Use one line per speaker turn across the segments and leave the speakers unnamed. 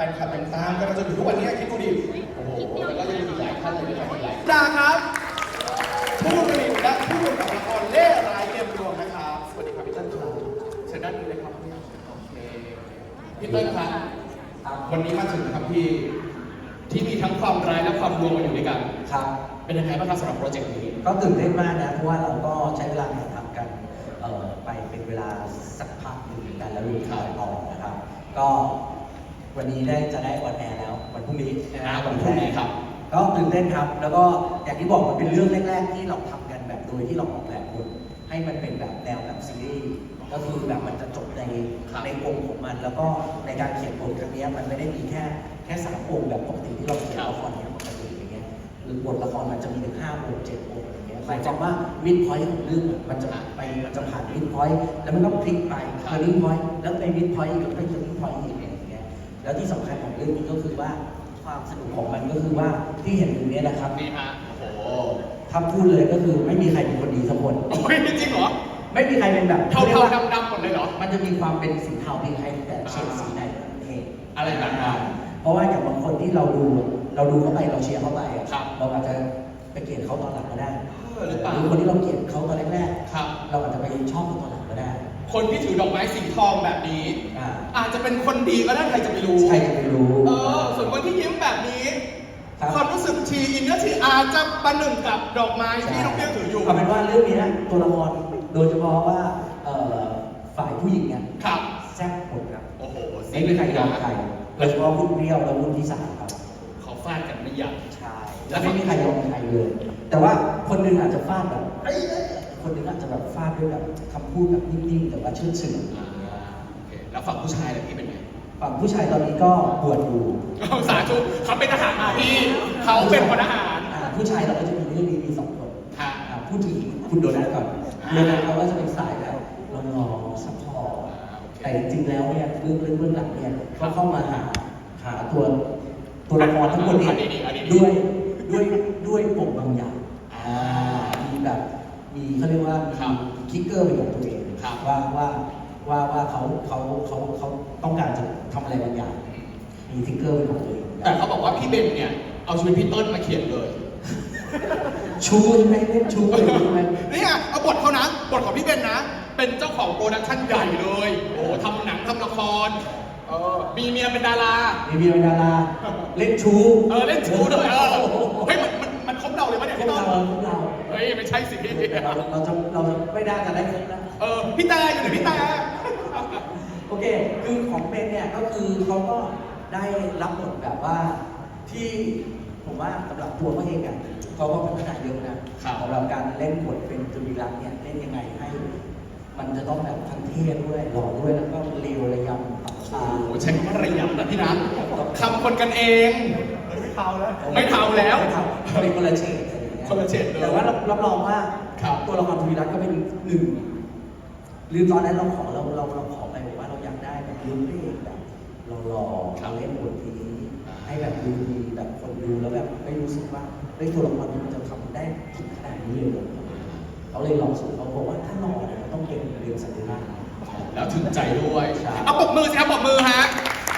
นคลับยังตามกันมาจนถึงทุกวันนี้คิดดูดิโอ้โหแล้วก็ยังมีอีกหลายท่านเลยนะครับอีกหลายดาครับผู้ผลิตและผู้กำกับละครเล่ร้ายเกมรวมนะครับสวัสดีครับพี่เติ้ลครับเชิญด้านนี้เลยครับโอเคพี่เติ้ลครับวันนี้มาถึงครับพี่ที่มีทั้งความร้ายและความรวมมาอยู่ด้วยกัน
ครับ
เป็นยังไงบ้างครับสำหรับโปรเจกต์นี้
ก็ตื่นเต้นมากนะเพราะว่าเราก็ใช้เวลาถ่ายทำกันไปเป็นเวลาสักพักหนึ่งเหมือนกันแล้วรู้ข่าวออกนะครับก็วันนี้จะได้ออนแอร์แล้ววันพรุ่งนี้
วันพรุ่งนี้ครับ
ก็ตื่นเต้นครับแล้วก็อย่างที่บอกมันเป็นเรื่องแรกๆที่เราทำกันแบบโดยที่เราออกแบบบทให้มันเป็นแบบแนวแบบซีรีส์ก็คือแบบมันจะจบในองค์ของมันแล้วก็ในการเขียนบทครั้งนี้มันไม่ได้มีแค่3องค์แบบปกติที่เราเขียนละครเนี่ยปกติอย่างเงี้ยหรือบทละครมันจะมีถึง5องค์7องค์อย่างเงี้ยหมายความว่าวิดพอยต์ของเรื่องมันจะผ่านวิดพอยต์แล้วมันก็พลิกไปเทอร์นิ่งพอยต์แล้วไปวิดพอยต์อีกแล้วไปเทอร์นิ่งพอยต์อีกอย่างเงี้ยแล้วที่สำคัญของเรื่องนี้ก็คือว่าความสนุกของมันก็คือว่าที่เห็นอยู่นี้นะครับ
นี่ฮะโอ้โห
ถ้าพูดเลยก็คือไม่มีใครเป็นคนดีสักคน
ไม่จริงเหรอ
ไม่มีใครเป็นแบบ
เทาดำหมดเลยเหรอ
มันจะมีความเป็นสีเทามีใครแต่เฉดสีไหนเอง
อะไรแบบนั้น
เพราะว่าอย่างบางคนที่เราดูเข้าไปเราเชียร์เข้าไปเราอาจจะไปเกลียดเขาตอนหลังก็ได้
หรือเปล่า
คนที่เราเกลียดเขาตอนแรกๆเราอาจจะไปชอบเขาตอนหลังก็ได้
คนที่ถือดอกไม้สีทองแบบนี้อาจจะเป็นคนดีก็ได้ใครจะไปรู้
ใครจะไปรู้
ส่วนคนที่ยิ้มแบบนี้ความรู้สึกทีอินเนอร์ทีอาจจะประหนึ่งกับดอกไม้ที่น้องเปี้ยวถืออยู่
เอาเป็นว่าเรื่องนี้นะตัวละครโดยเฉพาะว่าฝ่ายผู้หญิงเนี่ยแซ่บหมดครับ
โอ้โห
ไม่มีใครยอมใครโดยเฉพาะคุณเปรี้ยวและคุณที่3ครับ
เขาฟาดกันไม่ยั้ง
ใช่แล้วไม่มีใครยอมใครเลยแต่ว่าคนหนึ่งอาจจะฟาดแบบคนหนึ่งอาจจะแบบฟาดด้วยแบบคำพูดแบบนิ่มๆแต่ว่าเชื่อถือ
แล้วฝั่งผู้ชายล่ะพี่เป็นไง
ฝั่งผู้ชายตอนนี้ก็บวชอยู่
สาธุเขาเป็นทหารพี่เขาเป็นพลทหาร
ผู้ชายเราก็จะมีเรื่องนี้มี2คนพูดถึงคุณโดนัทก่อนโดนัทเขาก็จะเป็นสายแบบรอซัพพอร์ตแต่จริงๆแล้วเนี่ยเรื่องหลังเนี่ยเขาเข้ามาหาตัวละครทั้งหมดเนี่ยด้วยปมบางอย่างมีแบบมีเขาเรียกว่าคิกเกอร์เป็นของตัวเองว่าเขาต้องการจะทำอะไรบางอย่างมีทิกเกอร์เป็นของตัวเอง
แต่เขาบอกว่าพี่เบนเนี่ยเอาชีวิตพี่ต้นมาเขียนเลย
ชูใช่ไหมเล่นชูเลยใช่ไหม
นี่ไงเอาบทเขานะบทของพี่เบนนะเป็นเจ้าของโปรดักชั่นใหญ่เลยโอ้ทำหนังทำละครมีเมียเป็นดารา
เล่นชู
เล่นชูด้วยเฮ้ยมันครบเราเลยมั้ยเนี่ยพี่ต้นเฮ้ยไม่ใช่สิ
เราจะไม่ได้จะได้ครบนะ
พี่แต่อยู่ไหนพี่แต่
โอเคคือของเบนเนี่ยก็คือเขาก็ได้รับบทแบบว่าที่ผมว่าสำหรับตัวเขาเองอ่ะเขาก็พัฒนาเยอะนะสำหรับการเล่นบทเป็นจุลีรักษ์เนี่ยเล่นยังไงให้มันจะต้องแบบทั้งเท่ด้วยหล่อด้วยแล้วก็เร็วระยำตัดตา
ใช้คำว่าระยำนะพี่นะคำคนกันเองไม่เทาแล้วเป็น
คนละเฉด
เลย
แต่ว่ารับรองว่าตัวละครจุลีรักษ์ก็เป็นหนึ่งหรือตอนนั้นเราขอไปบอกว่าเราอยากได้แบบรุ่นเอกแบบหล่อเล่นบทนี้ให้แบบดูดีแบบคนดูแล้วแบบไม่รู้สึกว่าตัวละครมันจะทำได้ถึงขนาดนี้เลยเขาเลยลองสูตรเขาบอกว่าถ้าหล่อเนี่ยมันต้องเก่งเรียนสัญญา
แล้วถึงใจด้วยเอาปรบมือสิครับปรบมือฮะ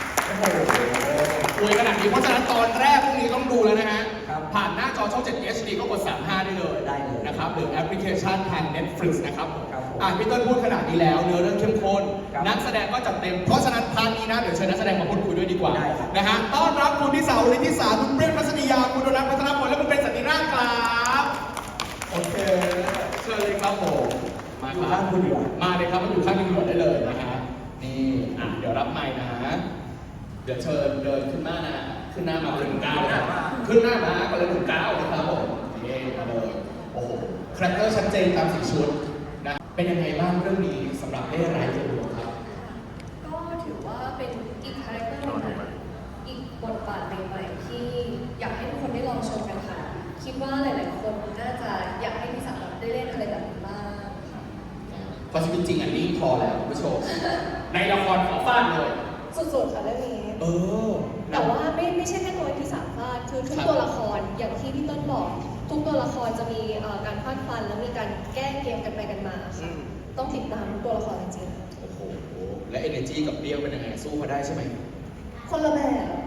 อวยขนาดนี้เพราะฉะนั้นตอนแรกพวกนี้ต้องดูแล้วนะฮะผ่านหน้าจอช่อง 7 HD ก็กด 35 ได้เลยนะครับหรือแอปพลิเคชันทาง Netflix นะครับพี่ต้นพูดขนาดนี้แล้วเนื้อเรื่องเข้มข้นนักแสดงก็จัดเต็มเพราะฉะนั้นพาร์ทนี้นะเดี๋ยวเชิญนักแสดงมาพูดคุยด้วยดีกว่านะฮะต้อนรับคุณทิสาวฤทธิสาคุณเปรี้ยวทัศนียาคุณโดนัทพัฒนพลและคุณเป็นสันติราชครับโอเคเชิญเลยครับผมมาครับมาเลยครับมาอยู่ข้างตำรวจได้เลยนะฮะนี่เดี๋ยวรับไมค์นะเดี๋ยวเชิญเดินขึ้นหน้ามาขึ้นหน้ามา1 ก้าวขึ้นหน้ามาก็เลย1 ก้าวนะครับผมนี่มาเลยโอ้โหคาแรคเตอร์ชัดเจนตามสีชุดนะเป็นยังไงบ้างเรื่องนี้สำหรับเล่ร้ายเกมรวมครับ
ก็ถือว่าเป็นอีกคาแรคเตอร์ใหม่อีกบทบาทใหม่ๆที่อยากให้ทุกคนได้ลองชมกันค่ะคิดว่าหลายๆคนน่าจะอยากให้พี่สาวได้เล่นอะไรแบบนี้บ้าง
พอชีวิตจริงนี่พอแล้วคุณผู้ชมในละครขอฟาดเลย
สุดๆค่ะเรื่องนี้แต่ว่าไม่ใช่แค่ตัวที่สามฟาดคือทุกตัวละครอย่างที่พี่ต้นบอกทุกตัวละครจะมีการฟาดฟันและมีการแก้เกมกันไปกันมาต้องติดตามทุกตัวละครจริง
ๆโอ้โหและ energy กับเปรี้ยวเป็นยังไงสู้เขาได้ใช่ไหม
คนละแบบ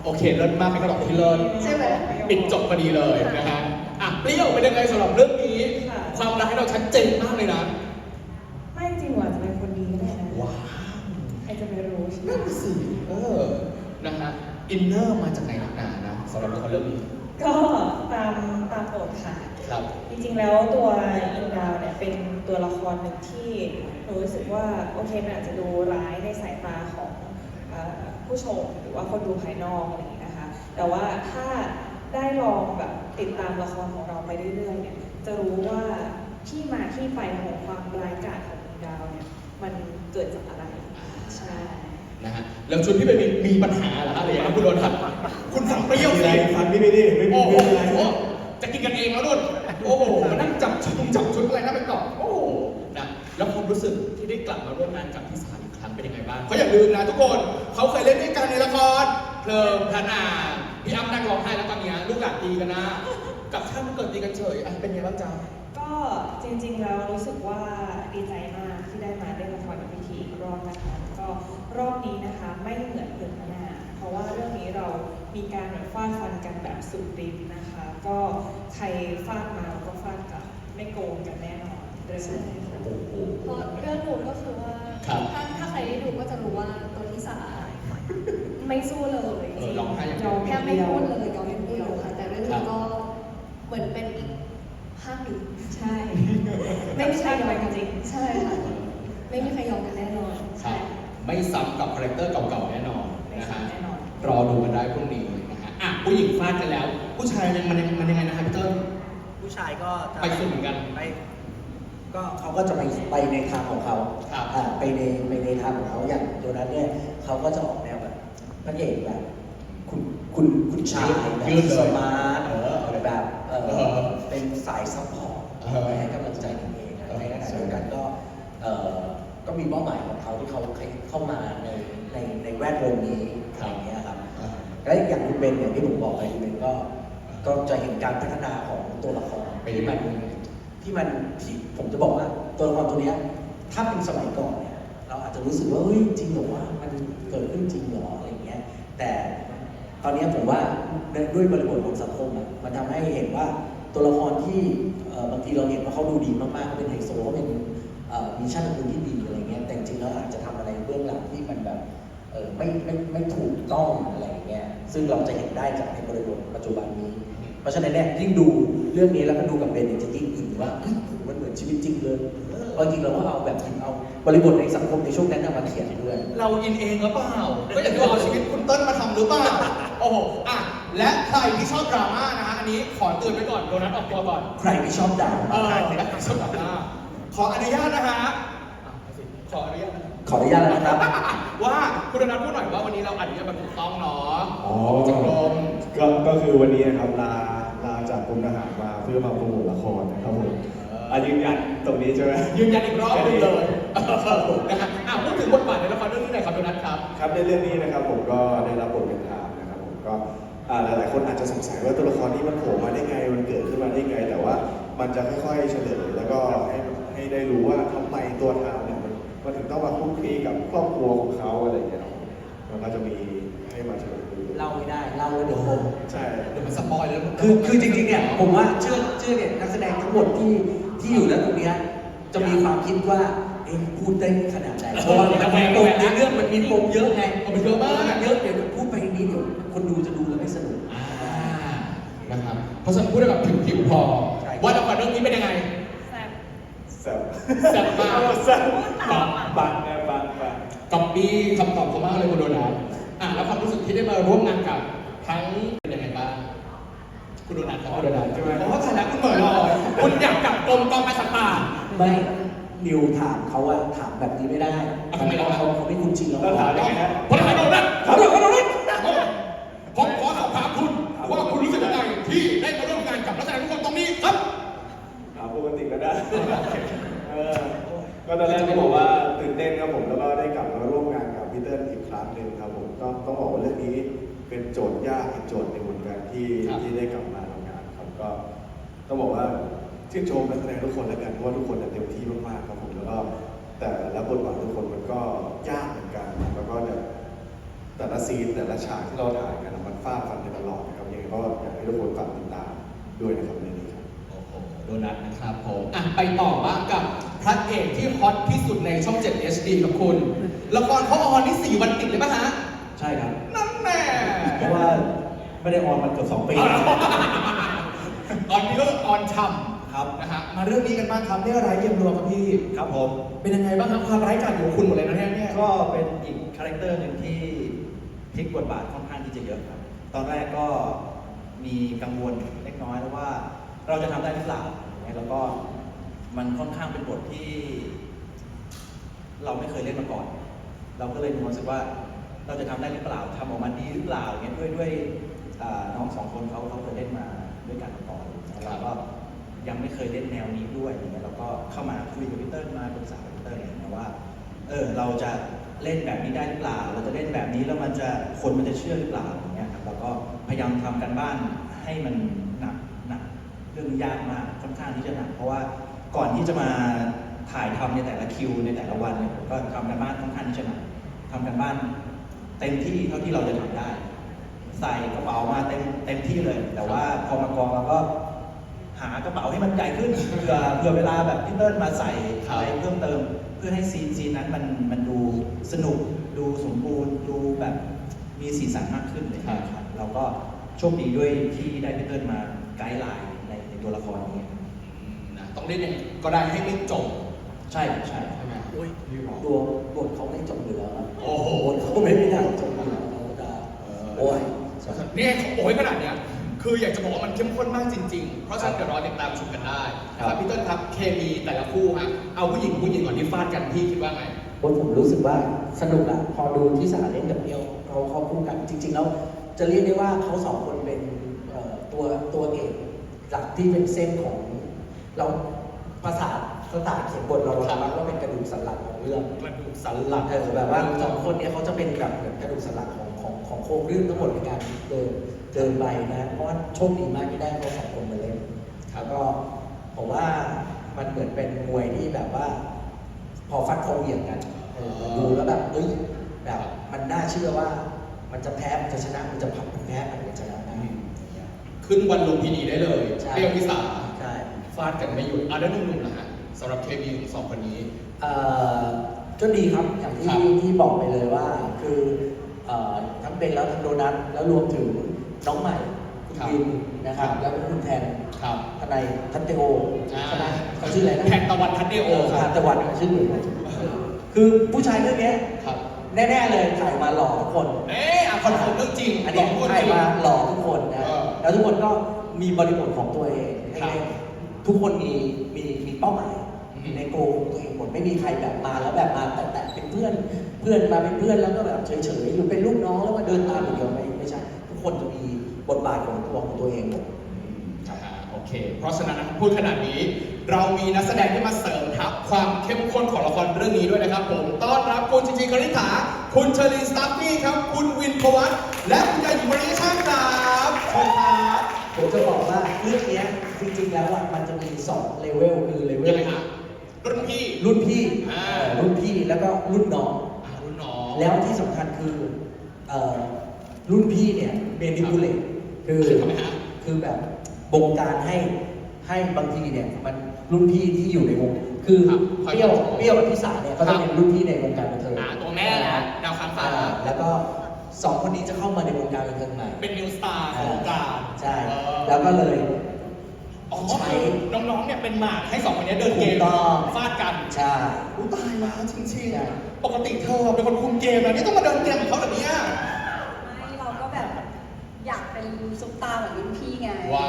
โอเคเลิศมากเป็นคำตอบที่เลิศ
ใช่ไหม
ปิดจบพอดีเลยนะฮะอ่ะเปรี้ยวเป็นยังไงสำหรับเรื่องนี้
ค่ะ
ความรักให้เราชัดเจนมากเลยนะ
ไม่จริงหว่าจะเป็นคนดีก็ได้นะ
ว้าว
ใครจะไปรู้ใช่ไหม
นั่นสินะฮะอินเนอร์มาจากไหนหนักหนานะสำหรับละครเรื่องนี้
ก็ตามบทค่ะ
ครับ
จริงๆแล้วตัวอินดาวเนี่ยเป็นตัวละครหนึ่งที่หนูรู้สึกว่าโอเคมันอาจจะดูร้ายในสายตาของผู้ชมหรือว่าคนดูภายนอกอะไรอย่างนี้นะคะ แต่ว่าถ้าได้ลองแบบติดตามละครของเราไปเรื่อยๆเนี่ยจะรู้ว่าที่มาที่ไปของความร้ายกาจของอินดาวเนี่ยมันเกิดจากอะไรใช่
นะฮะแล้วชุดพี่เบนมีปัญหาเหรอฮะอะไรอย่างเงี้ยคุณโดนทัดคุณฝั่งเปรี้ยวสิ
ฟันพี่ไม่ได้ไม่
โอ้โห
เป็นไร
จะกินกันเองแล้วนุ่นโอ้โหมานั่งจับชุดอะไรน่าไปต่อโอ้โหนะแล้วความรู้สึกที่ได้กลับมาร่วมงานกับพี่สารอีกครั้งเป็นยังไงบ้างเขาอย่าลืมนะทุกคนเขาเคยเล่นด้วยกันในละครเพลิงพระนางพี่อ้ำนั่งร้องไห้แล้วตอนเนี้ยลูกหลานตีกันนะกับท่านเกิดตีกันเฉยอ่ะเป็นไงบ้างจ๊ะ
ก็จริงๆแล้วรู้สึกว่าดีใจมากที่ได้มาเล่นละครกับพี่ทีอีกรอบนะคะก็รอบนี้นะคะไม่เหมือนเดิมนะเพราะว่าเรื่องนี้เรามีการแบบฟาดฟันกันแบบสุดฤทธิ์นะคะ ก็ใครฟาดมาเราก็ฟาดกลับไม่โกงกันแน่นอนเรื่องนี้
โอ้โห
เพราะเรื่องนู้นก็คือว่า
ครับ
ถ้าใครได้ดูก็จะรู้ว่าตัวที่สาไม่สู้เลยจริง
ร้องไห้อย่างเดียว
แค่ไม่พูดเลยยอมไม่พูดเลยค่ะแต่เรื่องนี้ก็เหมือนเป็นอีกภาคหนึ่ง
ใช่
ไม่มีใครยอมกัน
จริง
ใช่ค่ะไม่มีใครยอมกันแน่นอน
ครับไม่ซ้ำกับคาแรคเตอร์เก่าๆแน่นอนนะฮะ
แน่นอน
รอดูกันได้พรุ่งนี้นะฮะอ่ะผู้หญิงฟาดกันแล้ว ผู้ชายมันยังไงนะฮะพี่เติ้ล
ผู้ชายก็จะ
ไปสุดเหมือนกัน
ไปก็เขาก็จะไปในทางของเขา
ครับ
ไปในทางของเขาอย่างตัวนั้นเนี่ยเขาก็จะออกแนวแบบพระเอกแบบคุณชายแบบ
ยืดเลย
สมาร์ท แบบ
อ
เป็นสายซัพพอร์ต ให้กำลังใจกันเองในขณะเดียวกันก็มีเป้าหมายของเขาที่เขาเข้ามาในแวดวงนี้อย่างเงี้ยครับแล้วอย่างคุณเบนเนี่ยที่ผมบอกไปคุณเบนก็จะเห็นการพัฒนาของตัวละครที่ผมจะบอกว่าตัวละครตัวเนี้ยถ้าเป็นสมัยก่อนเนี่ยเราอาจจะรู้สึกว่าเฮ้ยจริงเหรอว่ามันเกิดขึ้นจริงเหรออะไรเงี้ยแต่ตอนนี้ผมว่าด้วยบริบทของสังคมอะมันทำให้เห็นว่าตัวละครที่บางทีเราเห็นว่าเขาดูดีมากๆเขาเป็นไฮโซเขาเป็นมีชาติตระกูลที่ดีอะไรเงี้ยแต่จริงๆแล้วอาจจะทำอะไรเบื้องหลังที่มันแบบไม่ถูกต้องอะไรเงี้ยซึ่งเราจะเห็นได้จากในบริบทปัจจุบันนี้ เพราะฉะนั้นเนี่ยยิ่งดูเรื่องนี้แล้วก็ดูกับเบนเนี่ยจะยิ่งอินว่ามันเหมือนชีวิตจริงเลยเพราะจริงเราก็เอาแบบเอาบริบทในสังคมในช่วงนั้นมาเขียนด้วย
เราอินเองหรือเปล่า ก็อย่างที่ว่าเอาชีวิตคุณเติ้ลมาทำหรือเปล่า โอ้โห อ่ะ และใครที่ชอบดราม่านะฮะ อันนี้ขอเตือนไว้ก่อน โดนัทออกตัวก่อน
ใครที่ชอบด่า
ใครที่ชอบดราม่าขออนุญาตนะฮะขออนุญาตนะ
ขออนุญาตนะครับ
ว่าคุณโดนัทพูดหน่อยว่าวันนี้เราอนุญาตแบบถูกต้องเนาะ
อ๋อ
จากกรม
ก็คือวันนี้นะครับลาจากกรมทหารมาเพื่อมาโปรโมทละครนะครับผมยืนยันตรงนี้ใช่ไหม
ยืนยันอีกรอบหนึงเลยนะฮะพูดถึงบทบาทในละครเรื่องนี้หน่อยครับโดนัทครับ
ครับในเรื่องนี้นะครับผมก็ได้รับบทเป็นทามนะครับผมก็หลายๆคนอาจจะสงสัยว่าตัวละครนี้มันโผล่มาได้ไงมันเกิดขึ้นมาได้ไง แต่ว่ามันจะค่อยๆเฉลยแล้วก็ให้ได้รู้ว่าทำไมตัวทามเนี่ยมันถึงต้องมาคลุกคลีกับครอบครัวของเขาอะไรอย่างเงี้ยครับมันก็จะมีให้มาเฉลยดู
เล่าไม่ได้เล่าแล้วเดี๋ยวผม
ใช่
เดี๋ยวมันสปอยแล้ว
คือจริงๆเนี่ยผมว่าเชื่อเนี่ยนักแสดงทั้งหมดที่อยู่ณตรงเนี้ยจะมีความคิดว่าพูดได้ขนาดไหนเพราะว่าปมในเรื่องมันมีปมเยอะไง
มันเยอะมาก
เยอะเดี๋ยวพูดไปนี้เดี๋ยวคนดูจะดูแล้วไม่สนุก
นะครับ เพราะฉะนั้นพูดได้แบบผิวๆพอ
ใช่
ว่าละครเรื่องนี้เป็นยังไง
แซ่บ
แซ่บ
แซ่บมาก
แซ่บบังนะบัง
ก๊อปปี้คำตอบเขามากเลยคุณโดนัทแล้วความรู้สึกที่ได้มาร่วมงานกับทั้งเป็นยังไงบ้างคุณโดนัทครับคุณโดนัทใช่ไหมเพราะว่าฐานะคุณเหมือนลอยคุณอยากกลับกรมกองการสัตว์ป่า
ไม่นิวถามเขาว่าถามแบบนี้ไม่ได้
ทำไมเรา
เขาไม่คุ้นชินเรา
แล้วถามยังไงฮะ
พลทหารโดนัทผมขอสอบถามคุณว่าคุณรู้สึกยังไงที่ได้มาร่วมงานกับนักแสดงทุกคนตรงนี้ครับ
ถามปกติก็ได้ ก็ตอนแรกก็บอกว่าตื่นเต้นครับผมแล้วก็ได้กลับมาร่วมงานกับพีเตอร์อีกครั้งหนึ่งครับผมก็ต้องบอกว่าเรื่องนี้เป็นโจทย์ยากอีกโจทย์หนึ่งเหมือนกันที่ได้กลับมาทำงานครับก็ต้องบอกว่าชื่นชมนักแสดงทุกคนแล้วกันเพราะว่าทุกคนเต็มที่มากๆครับผมแล้วก็แต่ละบทบาททุกคนมันก็ยากเหมือนกันแล้วก็แต่ละซีนแต่ละฉากที่เราถ่ายกันมันฟาดฟันกันตลอดนะครับยังไงก็อยากให้ทุกคนฝากติดตามด้วยนะครับในนี้ครับ
โอ้โหโดนัทนะครับผมไปต่อบ้างกับพระเอกที่ฮอตที่สุดในช่อง 7 HD กับคุณละครเขาออนนี่4 วันติดเลยป่ะฮะ
ใช่ครับ
นั่นแน่
เพราะว่าไม่ได้ออนมาเกือบ2 ปี
ตอนนี้ก็ออนช่ำ
ครับ
นะฮะมาเรื่องนี้กันบ้างครับเรื่องร้ายเกมรวมครับพี่
ครับผม
เป็นยังไงบ้างครับความร้ายกาจของคุณหมดเลยนะเนี่ย
ก็เป็นอีกคาแรคเตอร์หนึ่งที่พลิกบทบาทค่อนข้างที่จะเยอะครับ ตอนแรกก็มีกังวลเล็กน้อยแล้วว่าเราจะทำได้หรือเปล่าอย่างเงี้ยแล้วก็มันค่อนข้างเป็นบทที่ เราไม่เคยเล่นมาก่อน เราก็เลยมีความรู้สึกว่าเราจะทำได้หรือเปล่าทำออกมาดีหรือเปล่าอย่างเงี้ยด้วยน้อง2 คนเขาเคยเล่นมาด้วยกันมาก่อนแล้วเราก็ยังไม่เคยเล่นแนวนี้ด้วยอย่างเงี้ยเราก็เข้ามาคุยกับพี่เติ้ลมาปรึกษากับพี่เติ้ลเนี่ยว่าเราจะเล่นแบบนี้ได้หรือเปล่า เราจะเล่นแบบนี้แล้วคนมันจะเชื่อหรือเปล่าอย่างเงี้ยครับเราก็พยายามทำกันบ้านให้มันหนักเรื่องยากมากค่อนข้างที่จะหนักเพราะว่าก่อนที่จะมาถ่ายทำในแต่ละคิวในแต่ละวันเนี่ยผมก็ทำกันบ้านค่อนข้างที่จะหนักทำกันบ้านเต็มที่เท่าที่เราจะทำได้ ใส่กระเป๋ามาเต็มที่เลย แต่ว่าพอมากองเราก็หากระเป๋าให้มันใหญ่ขึ้นเพื่อเวลาแบบพี่เติ้ลมาใส่อะไรเพิ่มเติม เพื่อให้ซีนนั้นมันดูสนุกดูสมบูรณ์ดูแบบมีสีสันมากขึ้นเลยครับเราก็โชคดีด้วยที่ได้พี่เติ้ลมาไกด์ไลน์ในตัวละครนี้
นะต้องเล่นยังไงก็ได้ให้ไม่จบ
ใช่
ใช่ไหมอุ้ยพี่บอก
ตัวบทเขาไม่จบอยู่แล้วครับ
โอ้โห
บทเขาไม่ได้จบอยู่แล้วเขาจะโอ้ย
นี่เขาโอ้ยขนาดเนี้ยคืออยากจะบอกว่ามันเข้มข้นมากจริงๆ เพราะฉะนั้นเดี๋ยวรอติดตามชมกันได้ครับพี่เติ้ลครับเคมีแต่ละคู่ฮะเอาผู้หญิงก่อนที่ฟาดกันพี่คิดว่าไง
ผมรู้สึกว่าสนุกอะพอดูที่สาเล่นกับเดียวเขาคู่กันจริงๆแล้วจะเรียกได้ว่าเขา2 คนเป็นตัวเอกหลักที่เป็นเส้นของเราภาษาสไตล์เขียนบทเราสามารถว่าเป็นกระดูกสันหลังของเรื่อง
กระดูกสันหลัง
แบบว่า2 คนเนี้เขาจะเป็นแบบเหมือนกระดูกสันหลังของโครงเรื่องทั้งหมดในการเดินไปนะเพราะว่าโชคดีมากที่ได้เขา2 คนมาเล่นแล้วก็ผมว่ามันเหมือนเป็นมวยที่แบบว่า พอฟัดคอเหวี่ยงกันดูแล้วแบบแบบมันน่าเชื่อว่ามันจะแพ้มันจะชนะมันจะพับมันแพ้มันจะชนะได้
ขึ้นวันลุมพินีได้เลย
ใช่
เปรี้ยวพิสา
ใช่
ฟาดกันไม่หยุดแล้วหนุ่มๆนะฮะสำหรับเคมีของ2 คนนี้
ก็ดีครับอย่างที่
ครับ
ที่บอกไปเลยว่าคือทั้งเบนแล้วทั้งโดนัทแล้วรวมถึงน้องใหม่คุณ
ครับ
วินนะครับ
ครับ
แล้วก็คุณแทน
ครับ
ทนายทัตเตโอใช่ไหมเขาชื่ออะไรนะ
แทนตะวันทัดเดโอค
ทา
รับ
นตะวันชื่อเหมือนกันคือผู้ชายเรื่องเนี้ย
ครับ
แน่ๆเลยถ่ายมาหล่อทุกคน
คอนเฟิร์มเรื่องจริง
อันนี้
พูด
ถ่าย
จริง
มาหล่อทุกคนนะ
เออ
แล้วทุกคนก็มีบริบทของตัวเองให้
ครับ
เล่นทุกคนมีเป้าหมาย
อืม
ในโกของตัวเองหมดไม่มีใครแบบมาแล้วแบบมาแต่เป็นเพื่อนมาเป็นเพื่อนแล้วก็แบบเฉยๆหรือเป็นลูกน้องแล้วมาเดินตามอย่างเดียวไม่ใช่ทุกคนจะมีบทบาทของตัวเองหมด
โอเค เพราะฉะนั้นนะครับพูดขนาดนี้ เรามีนักแสดงที่มาเสริมทัพความเข้มข้นของละครเรื่องนี้ด้วยนะครับผม ต้อนรับคุณจริงๆคณิษฐา คุณเชอรีนสตัฟฟี่ครับ คุณวินพวัตและคุณยาหญิงมาริช่างครับเชิญครับ
ผมจะบอกว่าเรื่องเนี้ยจริงๆแล้วอ่ะมันจะมี2เลเวลคือเลเว
ยัง
ล
ไงฮะรุ่นพี่
รุ่นพี่
รุ่
รุ่
น
นพี่แล้วก็รุ่นน้อง
รุ่นน้อง
แล้วที่สำคัญคือรุ่นพี่เนี่ยเมนิพูเลตคือ
ทำไมฮะ
คือแบบบงการให้บางทีเนี่ยมันรุ่นพี่ที่อยู่ในวงคือ
ครับ
เปรี้ยวกับพี่สาเนี่ยเขาจะเป็นรุ่นพี่ในวงการบันเทิง
ตัวแม่นะดาวค้างฟ้า
แล้วก็2 คนนี้จะเข้ามาในวงการบันเทิงใหม่
เป็นนิวสตาร์ของวงการ
ใช่
เออ
แล้วก็เลย
อ๋อ
ใช้
น้องๆเนี่ยเป็นหมากให้2 คนนี้เดินเกม
ถูกต้อง
ฟาดกัน
ใช่
อุ๊ยตายแล้วจริง
ใช่
ๆ ปกติเธอเป็นคนคุมเกมนะนี่ต้องมาเดินเกมกับเขาแบบเนี้ย
ไม่เราก็แบบอยากเป็นซุปตาร์เหมือนรุ่นพี่ไง
ว้าว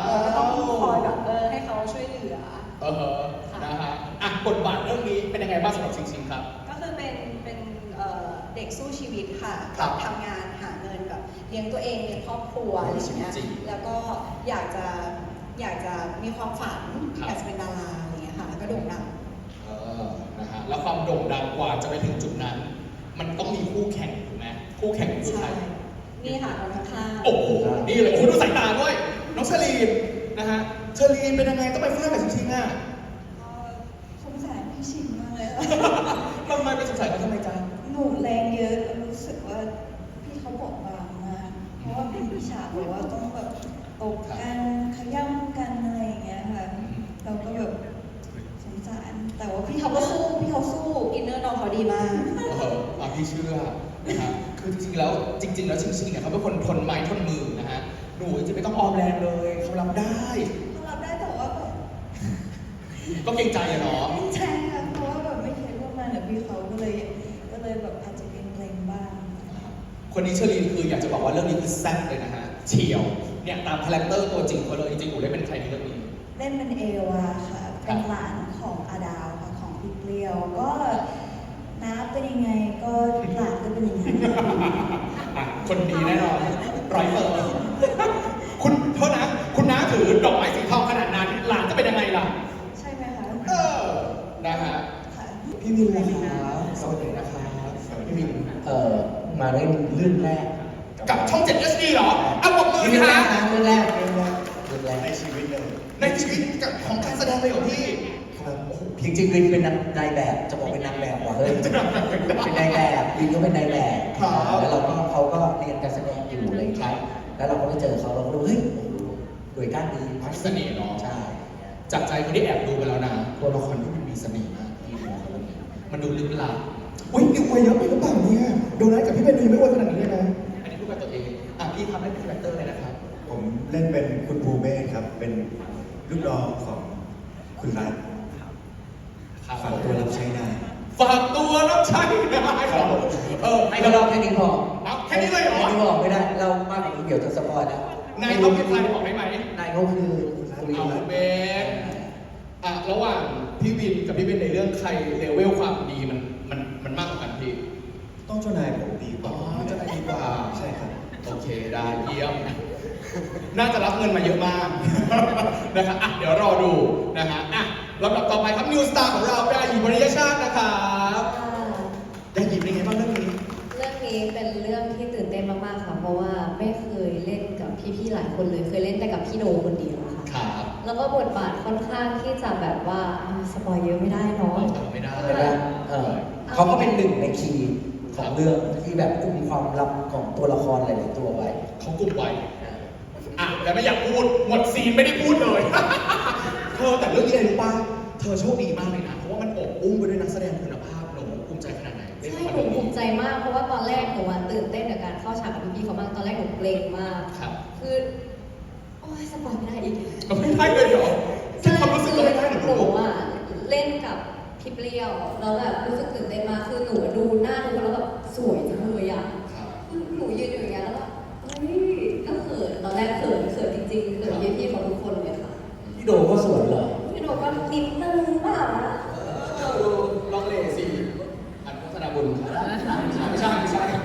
เราก็ต้องคอยแบบให้เขาช่วยเหลือ
นะฮะบทบาทเรื่องนี้เป็นยังไงบ้างสำหรับชิงๆครับ
ก็คือเป็นเด็กสู้ชีวิตค่ะ
ครับ
ทำงานหาเงินแบบเลี้ยงตัวเองเลี้ยงครอบครัวอะไรอย่างเงี้ย
จริง
แล้วก็อยากจะมีความฝัน
ครับ
อยากจะเป็นดาราอะไรอย่างเงี้ยค่ะแล้วก็โด่งดัง
นะฮะแล้วความโด่งดังกว่าจะไปถึงจุดนั้น มันต้องมีคู่แข่งถูกไหมคู่แข่งคือใคร
ใช่ นี่ค่ะคนข้างๆ
โอ้โหนี่เลยโอ้โหดูสายตาด้วย น้องเชลีนนะฮะเชลีนเป็นยังไงต้องไปฟาดกับชิงๆอ่ะ
ก็สงสารพี่ชินมากเลยอะ
ทำไมไปสงสัยเขาทำไมจ๊ะ
หนูแรงเยอะแล้วรู้สึกว่าพี่เขาบอบบางมาก เพราะว่าเป็น
พี่เชื่อนะครับคือจริงๆแล้วชิงๆเนี่ยเขาเป็นคนทนไม้ทนมือนะฮะหนูจะไม่ต้องออมแรงเลยเขารับได้
เขารับได้แต่ว่าแบบ
ก็เกรงใจอะเนาะ
ไม่ใช่ค่ะเพราะว่าแบบไม่เคยร่วมงานกับพี่เขาก็เลยแบบอาจจะเกรงๆบ้าง
คนนี้เชอรีนคืออยากจะบอกว่าเรื่องนี้คือแซ่บเลยนะฮะเฉียวเนี่ยตามคาแรคเตอร์ตัวจริงเขาเลยจริงๆหนูได้เป็นใครในเรื่องนี้
เล่นเป็นเอวาค่ะ เป็นหลานของอาดาวค่ะของพี่เปรี้ยว ก็น้าเป็นยังไงก็หลานก็เป็นอย่างนั้น
อ่ะคนดีแน่นอน100%คุณโทษนะคุณน้าถือดอกไม้สีทองขนาดนั้นหลานจะเป็นยังไงล่ะ
ใช่ไหมคะ
นะฮะ
ค่ะ
พี่วินนะครับสวัสดีนะครับพี่วิน
มาเล่นเรื่องแรก
กับช่อง 7 HD เหรอเอาปรบมือ
เรื่
สิ
องแร
ฮะ
กนะเรื่องแรก
ในชีวิตเลย
ในชีวิตกับของการแสดงเลยเหรอพี่
ครับ
โอ้โห
จริงๆวินเป็นนายแบบจะบอกเป็นนางแบบว่ะเฮ้ยเป็นนายแบบวินก็เป็นนายแบบ
ครับ
แล้วเขาก็เรียนการแสดงอยู่อะไรครับ แล้วเราก็ไปเจอเขาเราก็รู้เฮ้ยโอ้โหหน่วยก้านดี
มีเสน่ห์เนาะ
ใช่
จากใจคนที่แอบดูไปแล้วนะตัวละครที่มันมีเสน่ห์มากพี่ดูเขาเรื่องนี้มันดูลึกลับอุ้ยนิวอวยเยอะไปหรือเปล่าเนี่ยโดนัทกับพี่เบนนีไม่อวยขนาดนี้เลยนะอันนี้พูดกับตัวเองอ่ะพี่ทำได้เป็นคาแรคเตอร์เลยนะครับ
ผมเล่นเป็นคุณภูเมฆครับ เป็นลูกน้องของคุณรัฐ
ครับ
ฝากตัวรับใช้นาย
ฝากตัวรับใช้นะครับให้
ให้
เรา
เราแค่นี้พอ
เอาแค่นี้เลยเหรอ
แค่นี้พอไม่ได้เรามากกว่านี้เดี๋ยวจะสปอยนะ
นายเขาเป็นใครบอกได้ไหม
นายเขาคือคุณ
เอา
รัตน์
เบนอ่ะระหว่างพี่วินกับพี่เบนในเรื่องใครเลเวลความดีมันมากกว่ากันพี่
ต้องเจ้านายผมดีก
อ๋
ว่า
อจะได้ดีกว่า
ใช่ครับ
โอเคได้เยี่ยม น่าจะรับเงินมาเยอะมาก นะครับอ่ะเดี๋ยวรอดูนะฮะอ่ะลำดับต่อไปครับนิวสตาร์ของเราเป็นอาหยีบริยชาตินะครับได้หยิบเป็นไงบ้างเรื่องนี้
เรื่องนี้เป็นเรื่องที่ตื่นเต้นมากๆค่ะ เพราะว่าไม่เคยเล่นกับพี่ๆหลายคนเลย เคยเล่นแต่กับพี่โนคนเดียวค่ะ
ครับ
แล้วก็บทบาทค่อนข้างที่จะแบบว่าสปอยเยอะไม่ได้เนาะ
ไม่ได้
เห็นไหมเขาก็เป็นหนึ่งในคีย์ของเรื่องที่แบบกุมความลับของตัวละครหลายๆตัวไว้
เขากลุ่มไว้อ่ะแต่ไม่อยากพูดหมดซีนไม่ได้พูดเลย เธอแต่เรื่องนี้อะไรรู้ป่ะเธอโชคดีมากเลยนะ เพราะว่ามันอบอุ้มไปด้วยนักแสดงคุณภาพหนูภูมิใจขนาดไหนเล่น
ใช่
ละคร
หนู
เรื่อง
ภู
นี้
มิใจมาก เพราะว่าตอนแรกหนูอะตื่นเต้นกับการเข้าฉากกับพี่ๆเขามาก ตอนแรกหนูเกรงมาก
ครับ
คือโอ้ยสปอยไม่ได้อีก
ไม่ได้เลยเหรอแค่ความรู้สึกก็ไม่ได้ห
ห
นู
นูอ่ะเล่นกับพี่เปรี้ยวแล้วแบบรู้สึกตื่นเต้นมากคือหนูดูหน้าดูแล้วแบบสวยจังเลยอ่ะ
ครับ
หนูยืนอยู่อย่างเงี้ยแล้วแบบเฮ้ยก็เขินตอนแรกเขินจริงๆเขินพี่ๆเขาทุกคนเลยค่ะ
พี่โดก็สวยเลย
พี่หนูก็นิดนึงเปล่านะ
ดูลองเลสิอันพัฒนาบุญไม่ใช่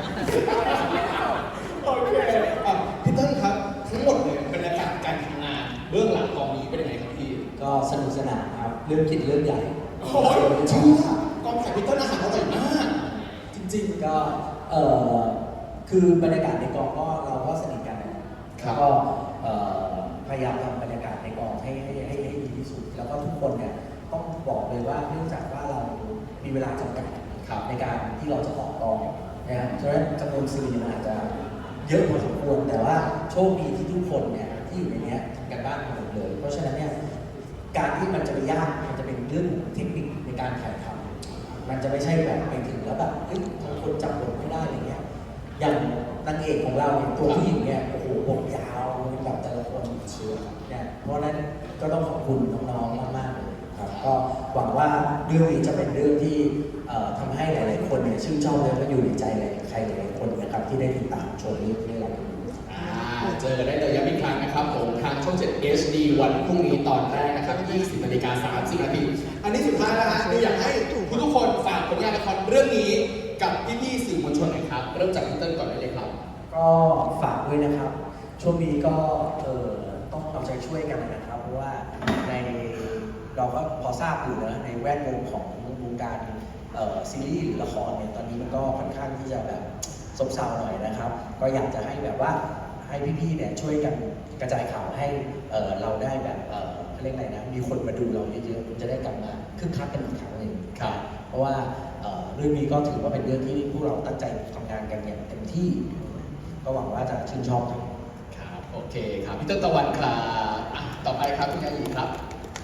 โอเคอ่ะพี่เต้นครับทั้งหมดเลยบรรยากาศการทำงานเบื้องหลังกองนี้เป็นยังไงครับพี่
ก็สนุกสนานครับ เรื่องกินเรื่องใหญ่
โอ้ยเชื่อกองถ่ายพี่เต้นอาหารอร่อยมากจริงๆ
ก็คือบรรยากาศในกองก็เราก็สนิทกันนะครับ แล้วก็พยายามทำบรรยากาศในกองให้ดีที่สุด แล้วก็ทุกคนเนี่ยต้องบอกเลยว่าเนื่องจากว่าเรามีเวลาจำกัด
ครับ
ในการที่เราจะออกกองนะครับฉะนั้นจำนวนซีนมันอาจจะเยอะพอสมควร แต่ว่าโชคดีที่ทุกคนเนี่ยที่อยู่ในเนี้ยทำกันบ้านกันหมดเลย เพราะฉะนั้นเนี่ยการที่มันจะไปยากมันจะเป็นเรื่องเทคนิคในการถ่ายทำมันจะไม่ใช่แบบไปถึงแล้วแบบเฮ้ยบางคนจับบทไม่ได้อะไรเงี้ย อย่างนางเอกของเราเนี่ยตัวผู้หญิงเนี่ยโอ้โหบทยาวเป็นแบบแต่ละคนเชื่อเนี่ยเพราะฉะนั้นก็ต้องขอบคุณน้องๆมากๆเลยครับก็หวังว่าเรื่องนี้จะเป็นเรื่องที่ทำให้หลายๆคนเนี่ยชื่นชอบและก็อยู่ในใจใครหลายๆคนนะครับที่ได้ติดตามชมเรื่องนี้เรา
เจอกันได้เลยย้ำอีกครั้งนะครับผมทางช่อง 7 HD วันพรุ่งนี้ตอนแรกนะครับ 20:30 นาทีอันนี้สุดท้ายแล้วฮะดูอยากให้ทุกคนฝากผลงานละครเรื่องนี้กับพี่ๆสื่อมวลชนหน่อยครับ เริ่มจากพี่เติ้ลก่อนได้เลยครับ
ก็ฝากด้วยนะครับ ช่วงนี้ก็ต้องเอาใจช่วยกันนะครับ เพราะว่าในเราก็พอทราบอยู่นะในแวดวงของวงการซีรีส์หรือละครเนี่ยตอนนี้มันก็ค่อนข้างที่จะแบบซบเซาหน่อยนะครับ ก็อยากจะให้แบบว่าให้พี่ๆเนี่ยช่วยกันกระจายข่าวให้เราได้แบบเขาเรียกอะไรนะมีคนมาดูเราเยอะๆมันจะได้กลับมาคึกคักกันอีกครั้งหนึ่ง
ครับ
เพราะว่าเรื่องนี้ก็ถือว่าเป็นเรื่องที่พวกเราตั้งใจทำงานกันอย่างเต็มที่ ก็หวังว่าจะชื่นชอบครับ
ครับโอเคครับพี่เติ้ลตะวันครับอ่ะต่อไปครับคุณยายีครับ
ค่ะ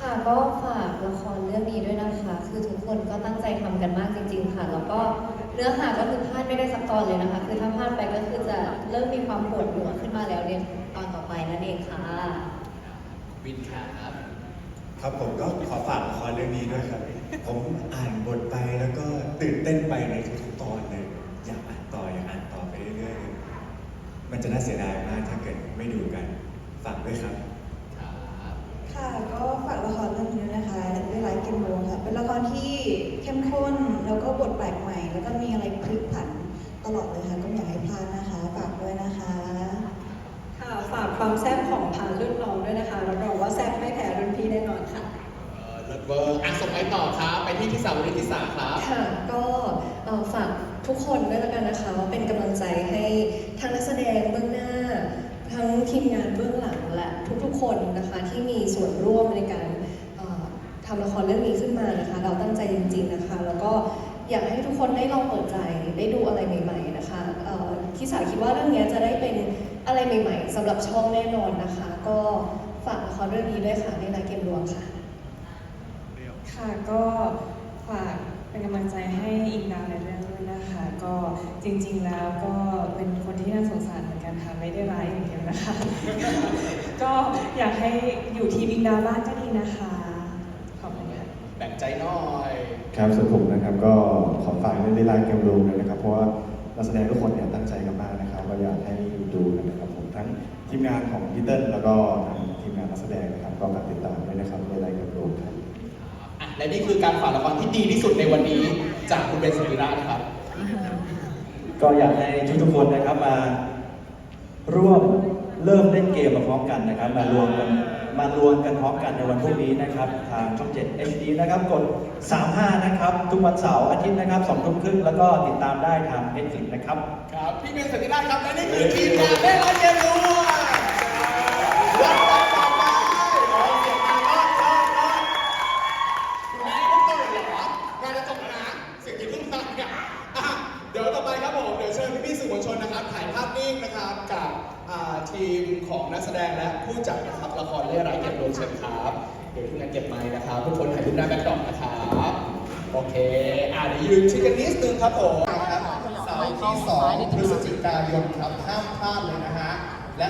ค่ะก็ฝากละครเรื่องนี้ด้วยนะคะ คือทุกคนก็ตั้งใจทำกันมากจริงๆค่ะ แล้วก็เนื้อหาก็คือพลาดไม่ได้สักตอนเลยนะคะ คือถ้าพลาดไปก็คือจะเริ่มมีความปวดหัวขึ้นมาแล้วในตอนต่อไปนั่นเองค่ะ
วินครับ
ครับผมก็ขอฝากละครเรื่องนี้ด้วยครับ ผมอ่านบทไปแล้วก็ตื่นเต้นไปในทุกๆตอนเลย อยากอ่านต่ออยากอ่านต่อไปเรื่อยๆ มันจะน่าเสียดายมากถ้าเกิดไม่ดูกัน ฝากด้วยครับ
ค่ะก็ฝากละครเรื่องนี้ด้วยนะคะเรื่องร้ายกินโมงค่ะเป็นละครที่เข้มข้นแล้วก็บทแปลกใหม่ แล้วก็มีอะไรพลิกผันตลอดเลยค่ะก็ไม่อยากให้พลาดนะคะฝากด้วยนะคะ
ค่ะฝากความแซ่บของพานรุ่นน้องด้วยนะคะรับรองว่าแซ่บไม่แพ้รุ่นพี่แน่นอนค่ะ
เลิศเวอร์ส่งไปต่อครับไปที่สาวริธิสาครับ
ค่ะก็ฝากทุกคนด้วยแล้วกันนะคะว่าเป็นกำลังใจให้ทั้งนักแสดงเบื้องหน้า ทั้งทีมงานเบื้องหลังและทุกๆคนนะคะที่มีส่วนร่วมในการทำละครเรื่องนี้ขึ้นมานะคะ เราตั้งใจจริงๆนะคะ แล้วก็อยากให้ทุกคนได้ลองเปิดใจได้ดูอะไรใหม่ๆนะคะที่สาคิดว่าเรื่องนี้จะได้เป็นอะไรใหม่ๆสำหรับช่องแน่นอนนะคะ ก็ฝากละครเรื่องนี้ด้วยค่ะในรายเกมรวมค่ะ
ค่ะก็ฝากเป็นกำลังใจให้อิงดาวในเรื่องด้วยนะคะ ก็จริงๆแล้วก็เป็นคนที่น่าสงสารเหมือนกันค่ะไม่ได้ร้ายอย่างเดียวนะคะ ก็อยากให้อยู่ทีมอิงดาวบ้างก็ดีนะคะขอบคุณค่ะ
แบ่งใจหน่อย
ครับส่วนผมนะครับก็ขอฝากเรื่องได้ไลน์เกมรูมเลยนะครับเพราะว่านักแสดงทุกคนเนี่ยตั้งใจกันมากนะครับก็อยากให้ดูกันนะครับผมทั้งทีมงานของพี่เติ้ลแล้วก็ทางทีมงานนักแสดงนะครับก็ฝากติดตามด้วยนะครับในไลน์เกมรูมครับ
และนี่คือการฝากละครที่ดีที่สุดในวันนี้จากคุณเบนสมิรานะครับ
ก็อยากให้ทุกๆคนนะครับมาร่วมเริ่มเล่นเกมมาพร้อมกันนะครับ มารวมกันพร้อมกันในวันพรุ่งนี้นะครับ ทางช่อง 7 HD นะครับกด 35 นะครับ ทุกวันเสาร์อาทิตย์นะครับ 2 ทุ่มครึ่งแล้วก็ติดตามได้ทาง Netflix นะครับ
ครับ พี่เบนสมิราครับและนี่คือทีมงานได้ไลน์เกมรวมรับกันต่อไปเสียงมารอดคุณแม่ต้องตื่นเหรองานจะจบแล้วนะเสียงที่เพิ่งมาเนี่ยเดี๋ยวต่อไปครับผมเดี๋ยวเชิญพี่ๆสื่อมวลชนนะครับถ่ายภาพนิ่งนะครับกับทีมของนักแสดงและผู้จัดนะครับละครเรื่องร้ายเก็บรวมเชิญครับเดี๋ยวทีมงานเก็บไมค์นะครับทุกคนถ่ายรูปหน้าแบ็คดรอปนะครับโอเคเดี๋ยวยืนชิดกันนิดนึงครับผมครับเสาร์ที่ 2 พฤศจิกายนครับห้ามพลาดเลยนะฮะ